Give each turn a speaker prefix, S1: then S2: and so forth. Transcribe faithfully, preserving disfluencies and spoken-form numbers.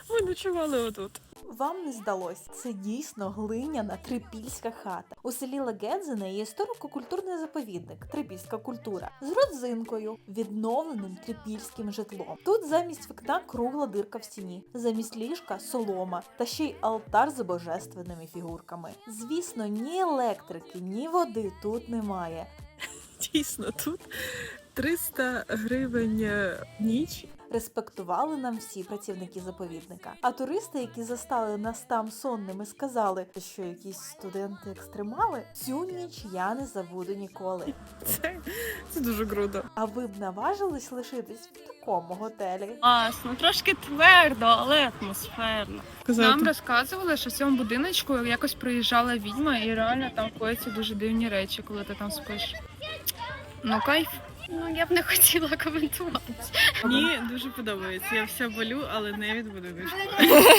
S1: Ми ночували отут.
S2: Вам не здалось, це дійсно глиняна трипільська хата. У селі Легедзине є історико-культурний заповідник Трипільська культура з родзинкою, відновленим трипільським житлом. Тут замість вікна кругла дирка в стіні, замість ліжка солома та ще й алтар з божественними фігурками. Звісно, ні електрики, ні води тут немає.
S1: Дійсно, тут триста гривень в ніч.
S2: Респектували нам всі працівники заповідника. А туристи, які застали нас там сонними, сказали, що якісь студенти-екстремали, цю ніч я не забуду ніколи.
S1: Це, це дуже круто.
S2: А ви б наважились лишитись в такому готелі?
S3: Класно, трошки твердо, але атмосферно.
S1: Казати.
S3: Нам розказували, що в цьому будиночку якось приїжджала відьма і реально там кояться дуже дивні речі, коли ти там спиш. Ну, кайф. Ну, я б не хотіла коментувати.
S1: Мені дуже подобається. Я вся болю, але не від будиночку.